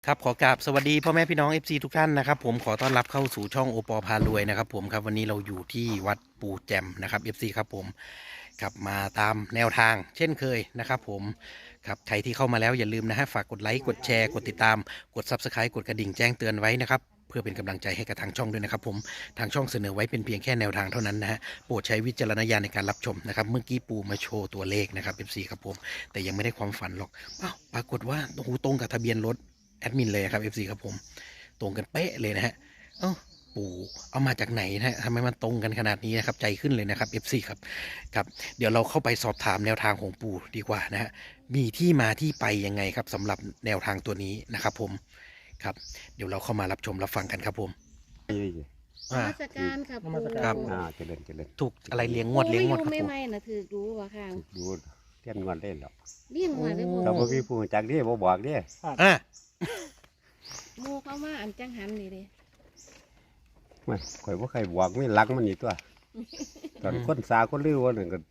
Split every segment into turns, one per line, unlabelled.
ครับขอกราบสวัสดีพ่อแม่พี่น้อง FC ทุกท่านนะครับผมขอต้อนรับเข้าสู่ช่องโอปอพารวยนะครับผมครับวันนี้เราอยู่ที่วัดปูแจมนะครับ FC ครับผมครับมาตามแนวทางเช่นเคยนะครับผมครับใครที่เข้ามาแล้วอย่าลืมนะฮะฝากกดไลค์กดแชร์กดติดตามกด Subscribe กดกระดิ่งแจ้งเตือนไว้นะครับเพื่อเป็นกำลังใจให้กับทางช่องด้วยนะครับผมทางช่องเสนอไว้เป็นเพียงแค่แนวทางเท่านั้นนะฮะโปรดใช้วิจารณญาณในการรับชมนะครับเมื่อกี้ปูมาโชว์ตัวเลขนะครับ FC ครับผมแต่ยังไม่ได้ความฝันหรอกอ้าวปรากฏว่าโอ้โหตรงกับทะเบียนรถแอดมินเลยครับ FC ครับผมตรงกันเป๊ะเลยนะฮะเอ้าปู่เอามาจากไหนนะฮะทำไมมันตรงกันขนาดนี้นะครับใจขึ้นเลยนะครับ FC ครับครับเดี๋ยวเราเข้าไปสอบถามแนวทางของปู่ดีกว่านะฮะมีที่มาที่ไปยังไงครับสำหรับแนวทางตัวนี้นะครับผมครับเดี๋ยวเราเข้ามารับชมรับฟังกันครับผม
นี่
น
อ่า
มัสการค่ะ
นมัส
ปู่
การ
ครับ
เจริญเจริญ
ถูกอะไรเลี้ยงงวดเลี้ยงงวดครับ
ไม่
ปู่
ไม่น่ะถือรู้ว่ะค่ะ
ดูเทียนงอนเล่นหรอก
เลี้ยงมาเลย
โอ้
บ่
เราบ่มีผู้จักดิบ่บอกดิ
อ่า
หมูเข้ามาอันจังหันนี่เด้
ไม่ข่อยบ่ใครบอกมีหลักมันนี่ตัวตอนคนสาคนลือว่านั่นก็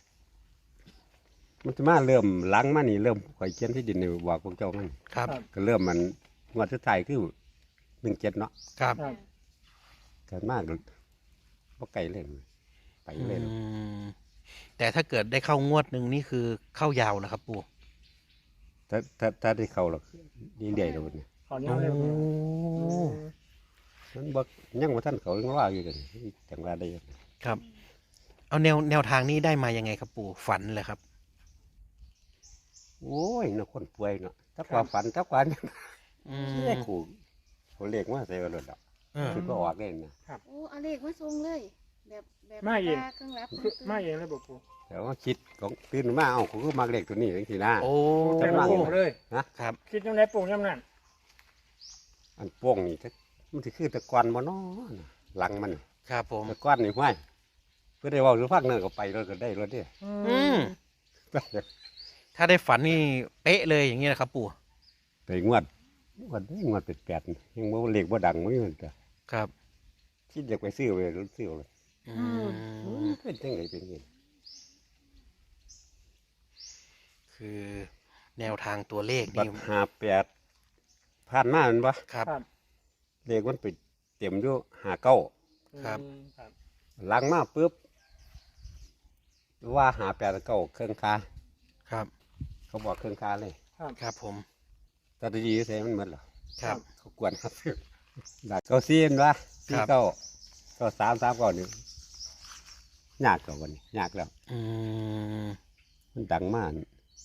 มันจะมาเริ่มหลังมานี่เริ่มข่อยเขียนที่ดินนี่บอกพวกเจ้ามัน
ครับ
ก็เริ่มมันงวดสุดท้ายคือ17เนาะ
ครับ
ค่ะ
กันมากบ่ไกลเล่นไปเล่น
อืมแต่ถ้าเกิดได้เข้างวดหนึ่งนี่คือเข้ายาวนะครับปู่
ถ้าได้เข้าหรอกดีเดียวแล้วนี่
ขอเนี้ยเร็ว
โอ้
มันบ่ยังบ่ทันเขายังว่าอยู่กันจังว่าได้
ครับ เอาแนวทางนี้ได้มายังไงครับปู่ฝันเลยครับ
โอ้ยน่ะคนป่วยเนาะถ้าความฝันถ้าความ
อื
ที่
ม
ได้ขู่เขาเรียกว่าใส่กระโดดดอก
เออ
คือก็ออกเล่นนะ
โอ้เอาเลขมาส่งเลย แบบตเครื่องรับ
มาเองเลยบอกปู
แต่ว่าคิดของตื่นมาเอาผมก็มาเล็กตัวนี้จังทีนะ
โอ้
แต่ละโป่งเลย
ครับ
คิดยังไงโป่งยังนั่น
อันโป้งนี่มันจะคือตะกอนบ่เนาะหลังมัน
ครับผม
ตะกอนนี่ห้วยเพื่อได้เว่าหรือพักเนินก็ไปรถก็ได้รถเด้
อืมถ้าได้ฝันนี่เป๊ะเลยอย่างนี้นะครับปู่
แต่งวดเป็ดแปดยังบ่เล็กบ่ดังมั้งมันก็
ครับ
คิดอยากไปซื้อไปรถซื้อเลย
อืม
เป็นจังไดเป็นยังไง
คือแนวทางตัวเลข
บั
นี่
ด58ผ่านมาแมันบ่
ครับ
ครับ
เลขมันไปเต็มอยู่59
ครับ
ครับ
หลังมาปุ๊บว่า58เก้าเครื่องคา
ครับ
เขาบอกเครื่องคาเลย
ครับผม
ตอนดีใส่มันหมดเหรอ
ครับ
เขากวนครับดักเก้าซีนวะ
ครั
ซี
บ
เก้าก็3 ก่อนนี่ยากกว่าวันนี้ยากแล้ว
อืม
มันดังมาก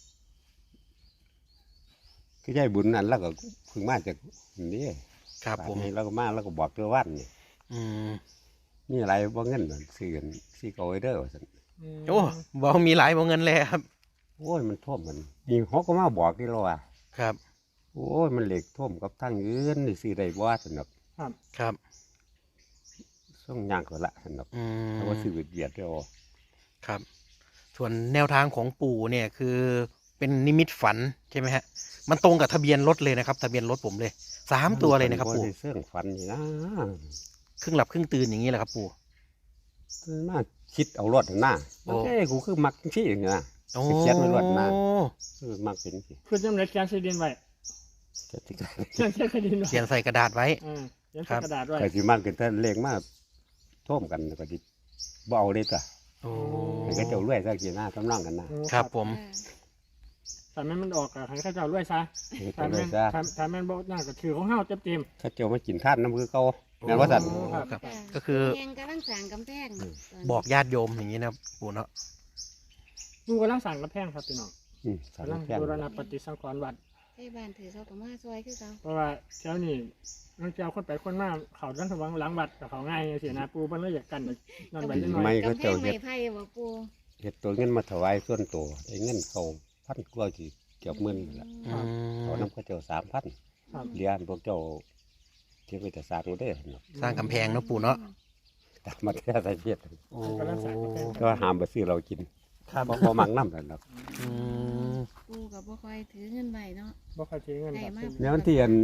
คือใช่บุญนั้นแล้วก็เพึ่งมาจากนี่
ครับผม
นี่เราก็มาแล้วก็บอกตัววันนี่
อืม
มีอะไรบ่เงินนั่นซื้อกันซีเก้าไว้เด้อว่าซั่น
โอ้บอกมีหลายบอกเงินเลยครับ
โอ้ยมันท่วมมันนี่เขาก็มาบอกที่เราว่า
ครับ
โอ้ยมันเหล็กท่วมกับทางอื่นนี่ซื้อได้บ่สนุก
ครับ
ส่งย่างก็ละสนุก
อืม
เพราะว่าซื้อเบียดเด้อ
ครับ ส่วนแนวทางของปู่เนี่ยคือเป็นนิมิตฝันใช่ไหมฮะ มันตรงกับทะเบียนรถเลยนะครับ ทะเบียนรถผมเลย3 ตัวเลยนะครับปู่
เสื่องฝันนี่นะ
ครึ่งหลับครึ่งตื่นอย่างนี้แหละครับปู่
มาคิดเอารถหน้า
โอ้
เอ้ยกูคือมักที่อย่างนี้นะ
โอ้
เขียนไว้รถหน้าคือมักเป็นสิ
คือยังไงแกนซีดินไว้
จะติด
แกนซีดินไว้
เขียนใส่กระดาษไว้
เขียนใส่กระดาษไว้
ก็สิมักกันแต่เลขมาท่วมกันก็ดิบ่เอาเลยจ้ะ
โอ้
มันก็เจ้ารวยซะกี่หน้าทำนองกันนะครับ
ผม
แต่แม่มันออกอะให้ข้าเจ้ารวยซะ
เจ้ารวยซะ
ถ้าแม่บอกน่าก็ถือของเฮาเต็ม
เขาเจ้ามากินท่านน้ำคือเขาแม่นว่าสั่น
โอ้
ครับ
ครับ ก็คือ
แหงกำลังสั่งกำแพง
บอกญาติโยมอย่างนี้นะปู่เนาะ
ๆดูกำลังสั่งกระแพงครับพี่น้อง
สั่ง
กำลัง
แพง
บูรณะปฏิสังขรณ์วัด
ให้บ้านถือเขากับมาซอยคือเขา
เพราะว่าเจ้านี่นักเจ้าคนไปคนมาเขาดันสว่างหลังวัดกับเขาง่ายเสียนาปูมันเลยอยากกันนอนไปนิดหน่อย
ไม่เขา
กำแพ
เจ้าง
ไม้
เฮ็ด
ไผ่บ่ปู
เฮ็ดตัวเงินมาถวายส่วนตัวไอ้เงินเขาพันกว่ากี่เกือบหมื่นนั่นล่ะ
อืม
เขานำเขาเจ้า3,000
ครับ
เรียนพวกเจ้าเที่ยวไปแต่สร้างบ่ได้เนาะ
สร้างกำแพงเนาะปู่เนาะ
ตามมาแท้ใส่เทียด
โอ้
กำลังสั่งกระแพง
ก็ห้ามไปซื้อเรากิน
ครับ
บ่มักน้ำนั่นดอก
อืม
ปูกับบ่ค่อยถือเงินใบเนาะ
บ่ค่อยทิ้งเงินครับ
ได้มาก
ในวันที่อัน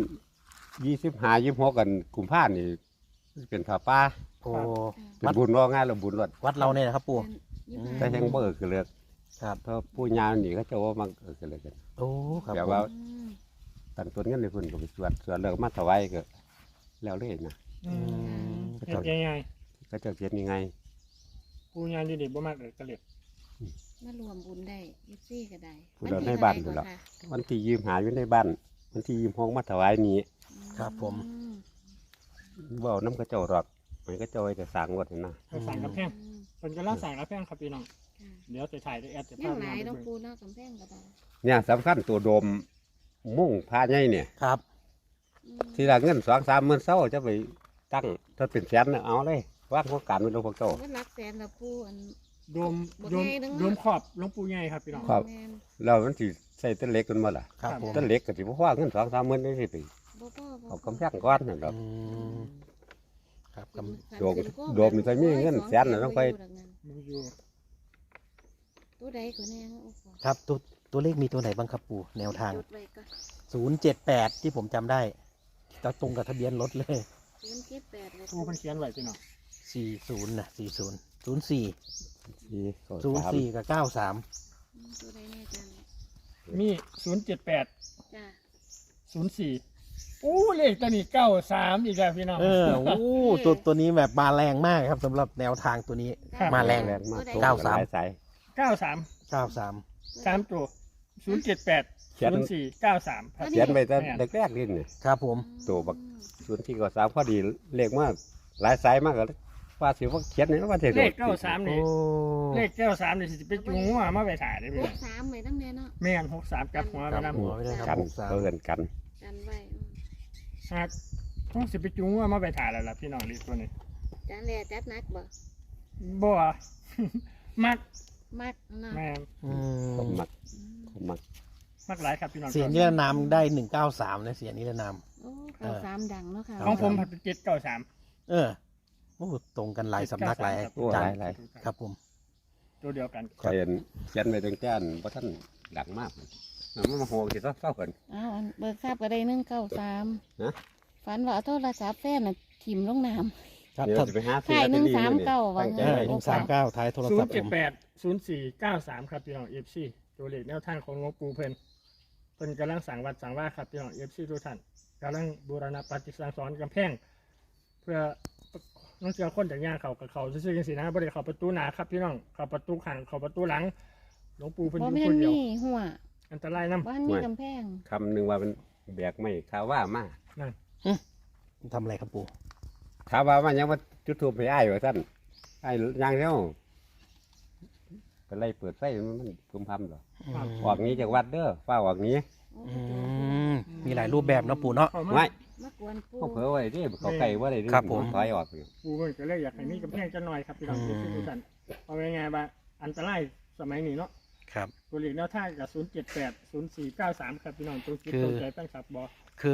25 26กันกุมภาพันธ์นี่เป็นผ้าป่า
โอ้
เป็นบุญว่าง่ายแล้วบุญรถ
วัดเราเนี่ยนะครับปู่
แต่ยังบ่คือเลือก
ครับ
เพราะผู้ยาวนี่เขาเจะว่ามันคือเลือกกัน
โอ้ครับ
แบบ
ผม
ว่า ตกันต้นเงินในเพิ่นก็ไปสวดแล้วก็มาถวายก็แล้วเลยนะ
อืม
ก็
เฮ็
จะ
ดยังไง
ก็เจะเฮ็ดยังไง
ปูยานอยู่นี่บ่มากเลยกระเหล็ด
มารวมบุญได้ยิบซี่ก็ได้
ผู้เราในบ้านผู้เราวันที่ยืมหาอยู่ในบ้านวันที่ยืมห้องมาถวายนี้
ครับผม
บ่เอาน้ำกระเจ้าหรอกมันก็เจ้าไว้แต่สร้างวัดนั่นนะ
ไปสั่งกระแพงเป็นกำลังสั่งกระแพงครับพี่น้องเดี๋ยวจะถ่ายได้แอดจะ
ยั
พาง
ห
ไป
ลาย
ดู
ต้องปูเนาะกำแพงก็ได้
เนี่ยสำคัญตัวโดมมุ่งพาใหญ่เนี่ย
ครับ
ทีละเงิน2-3หมื่นเศร้าจะไปตั้งถ้าเป็นแสนน่ะเอาเลยว่างโครงการไว้ลงพวกเจ้า
มันรักแสนละปูอัน
โดม
บ่
โดม
ใหญ่เด้อ
โดมขอบหลวงปู่ใหญ่ครับพี่น้อง
ครับ
แม่น
เรามันสิใส่ต้นเล็กกันมาล่ะ
ครับผม
ต้นเล็กก็สิบ่ว่าเงิน2-3หมื่นได้สิไป
บ่พ่อบ่
เอากำแพงก้อนนั่นดอก
อืมครับกำ
โดมนี่ก็มีเงินแสนน่ะต้องไป
มึงอยู่
ตัวใดก็แน่โอ้โห
ครับตัวเลขมีตัวไหนบ้างครับปู่แนวทาง
จดไว้ก็
078ที่ผมจำได้จะตรงกับทะเบียนรถเลย
078เลย
ปูเพิ่นเขียนไว้พี่น้อง
40นะ40 04
ที่ก็สาม
04กับ93
ตัวใดแน่จัง
มี078
จ้า
04โอ้เลขตัวนี้93อีกแล้วพี่น้อง
โอ้ตัวนี้แบบมาแรงมากครับสำหรับแนวทางตัวนี้ มาแรง
แรงมาก
ตัวใด
เก้า
หลายสาย
93
93
3ตัว078
เขียน
04 93
เขียนไปแต่แรกๆนี่นี่
ครับผม
ตัวบัก ส่วนที่ก็3พอดีเลขมากหลายสายมากก็ว่าสิว่าเขียนนี่ว่าสิ
เลข93
โอ้
นี่เลข93นี่สิไปจูงหัวมาไปถ่ายได้พี่
ห
น้อก ง
สามไว้ตั้งแน่เนาะ
แม่น63กับหัวไป
กลับ
นำ
หัวไว้เลยครับ
กัน
63
เพิ่นกัน
กันไว้
หากต้องสิไปจูงหัวมาไปถ่ายแล้วล่ะพี่น้องเลขตัวนี้
จานแลจัดหนักบ่
บ่ มัก
มักเนาะ
แม่น
อื
ผม
ม
มักผมมัก
มักหลายครับพี่น้อง
เสียงนิรนามได้193นะเสียงนิรนาม
โอ้เก้าสามดังเนาะค่ะ
ของผมผัดเป็น793
เออโอ้ตรงกันหลายสำนักหลาย
โอ้
จา
ห
น
ลายหลาย
ครับผม
ตัวเดียวกัน
ใครเขียนไปตั้งแต่บ่ท่านดังมากมันมาโหสิเศร้ากัน
อ้าวอันเบิกทราบก็ได้193
ฮะ
ฝันว่าเอาโทรศัพท์แฟนน่ะถิ่มลงน้ำ
ครับ
เดี๋ยว
ถ้า
จะไปหาซื้อ
ถ่าย
ลอตเตอรี่
139
ตั้งใจ
เออ
ไว้
139ท้ายโทรศัพท์ผม
078 0493ครับพี่น้อง FC ตัวเลขแนวทางของหลวงปู่เพิ่นกำลังสั่งวัดสั่งว่าครับพี่น้อง FC ทุกท่านกำลังบูรณะปฏิสังสรณ์กำแพงเพื่อน้องเจ้าคนจากย่างเขากับเขาซื่อๆจังซี่นะบ่ได้เข้าประตูหน้าครับพี่น้องเข้าประตูข้างเข้าประตูหลังหลวงปู่เพิ่นอ
บ่
ยู่
แม่
คน นเดียว
มีหัว
อันตรายนำ
บ้านมีกำแพง
คำหนึ่งว่าเป็นแบกไม่ข้าว่ามา
ทำอะไรครับปู่
ข้าว่ามายังว่าจุดทูบไปอ้ายว่าท่านอ้ายยังแล้วก็ไล่เปิดไฟมันพึมพำหรอออกนี้จากวัดเด้อฟ้าออกนี้
อืมมีหลายรูปแบบเนาะปู่เนาะ
เข้ามา
ไม่
มากวนปู
พวกเผลอไว้ดิเขาไก่ว่าอะไรดิ
ครับผม
ถอยออกอยู่
ปู่เพิ่นก็เลยอยากให้มีกำแพงจักหน่อยครับพี่น้อง FC ทุกท่านเอาไงๆว่าอันตรายสมัยนี้เนาะ
ครับ
ตัวเลขแนวทางกับ078 0493ครับพี่น้องตัวคิด
คือ
ตัวใจตั้งครับบอ
คือ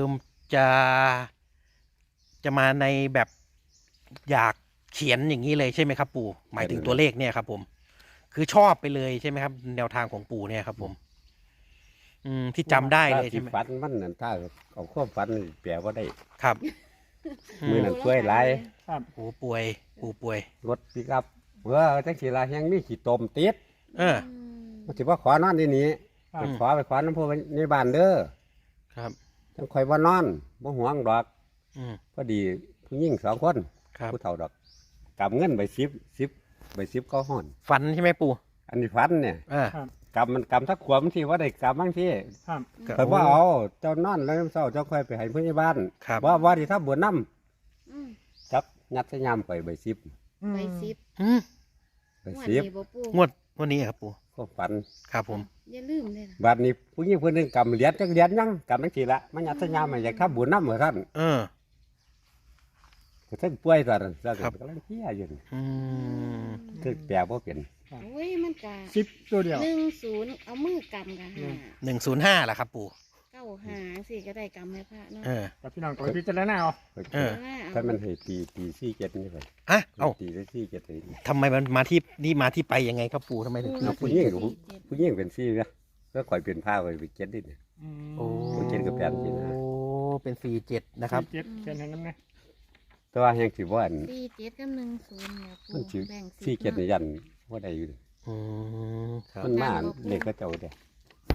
จะมาในแบบอยากเขียนอย่างนี้เลยใช่ไหมครับปู่หมายถึงตัวเลขเนี่ยครับผม คือชอบไปเลยใช่ไหมครับ แนวทางของปู่เนี่ยครับผม ที่จำได้เลยใช่ไหม
ถ้าสิฝันมันนั่นถ้าเอาข้อฝันนี่แปลว่าได้
ครับ
มือนั่นช่วยหลาย
ครับ
ปู่ป่วยปู่ป่วย
รถปิกอัพจังสีลายังมีขี้ตมติด
เออ
มันสิว่าขอนอนที่นี้
ครับ
ไปขอไปขอน้ำพุในบ้านเด้อ
ครับ
จังคอยว่านอนบ่ห่วงดอก
อืม
พอดีผู้หญิง2 คน
ครับ
ผู้เฒ่าดอกกำเงินไป10ใบ10ก็ห่อน
ฝันใช่ไหมปู่
อันนี้ฝันเนี่ย
อ่า
ครับ
กำมันกำทักขวบมันที่ว่าได้กำบางที่
ครับ
ครับ
เพิ่นว่าเอาเจ้านอนแล้วเช้าเจ้าค่อยไปให้ผู้ใหญ่บ้าน
ครับ
ว่าที่ถ้าบวชน้
อืม
ำจับยัดใส่ยามไปใบ10
ไปซิบ
อืม
ใบ
หัว
10
นี่บ่ปู
งวดวันนี้ครับปู่
ก็ฝัน
ครับผม
อย่าลืมเลยนะ
บัดนี้ผู้หญิงคนหนึงกำเหรียญจักเหรียญยังกำจังซี่ละมันยัดใส่ยามมาอยากถ้าบวชน้ำเหมือนท่าน
เออ
ก็ท่านป่วยตอนนั้นซะ
ครับ
กำลังเที่ยอยู่นี่
อืม
คือแปลบ่เป็น
โอ้ยมันกะ
10ตัวเดียว
10เอามือกำกัน
105แหละครับปู่
95สิก็ได้กำให้พระเนาะ
เออ
กับพี่น้องตัวพิจารณาเอา
เออ
ถ้ามันให้ตี47นี่ไป
อ่ะเอ้า
ตีได้47เลย
ทำไมมันมาที่นี่มาที่ไปยังไงครับปู่ทำไมถึง
เอาผู้หญิงกับผู้หญิงเป็น4นะก็ข่อยเป็นผ้าข่อยเป็น7นี่เนี่ย
โอ้
เจ็ดกับแปดนี่นะ
โอ้เป็น47นะครับ
เจ็ดเขียนให้น้ำไง
แต่ว่าแห่งสิบ่อัน
47กับ10เนี่ยปู
มันสิ
แบ่ง
47นี่ยันบ่ได้อยู่
อืมครับ
มันมาเลขก็เจ้าเด้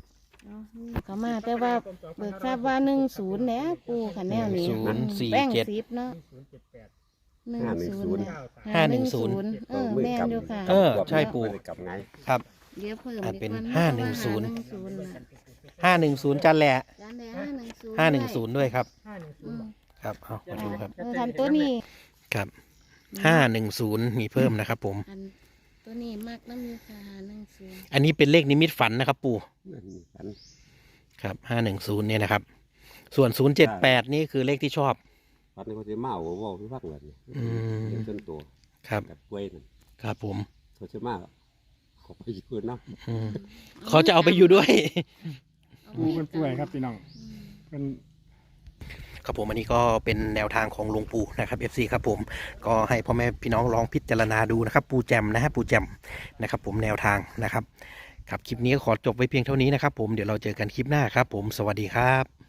เนาะก็มาแต่ว่าเบิกทราบว่า10แล้วปูค่ะแนวนี้
1047
แป้ง10เนาะ
078
10
510
แม่นอยู่ค่ะ
ใช่ปู่
กลับไง
ครับ
เดี๋ยวเพิ่ม
เป็น
ดีกว่
510
510
510จันแหละ
จานแดง510
ด้วยครับ
อืม
ครับเอามาดูครับ
ทันตัวนี้
ครับ510มีเพิ่มนะครับผม
อันตัวนี้มากน้ำอยู่ค่ะ510
อันนี้เป็นเลขนิมิตฝันนะครับปู่
อัน
ครับ510เนี่ยนะครับ ส่วน078นี่คือเลขที่ชอบ
ปัดนี้เขาจะมาเอาว่าพี่พักเลย
อืม
เป็นต้นตัว
ครับ
กับกล้วยนั่น
ครับผม
เขาจะมาเขาไปยืนเนาะ
อืมเขาจะเอาไปอยู่ด้วย
ปูเป็นป่วยครับพี่น้องเป็น
ครับผมอันนี้ก็เป็นแนวทางของหลวงปู่นะครับ FC ครับผมก็ให้พ่อแม่พี่น้องลองพิจารณาดูนะครับปู่แจมนะฮะปู่แจมนะครับผมแนวทางนะครับครับคลิปนี้ก็ขอจบไว้เพียงเท่านี้นะครับผมเดี๋ยวเราเจอกันคลิปหน้าครับผมสวัสดีครับ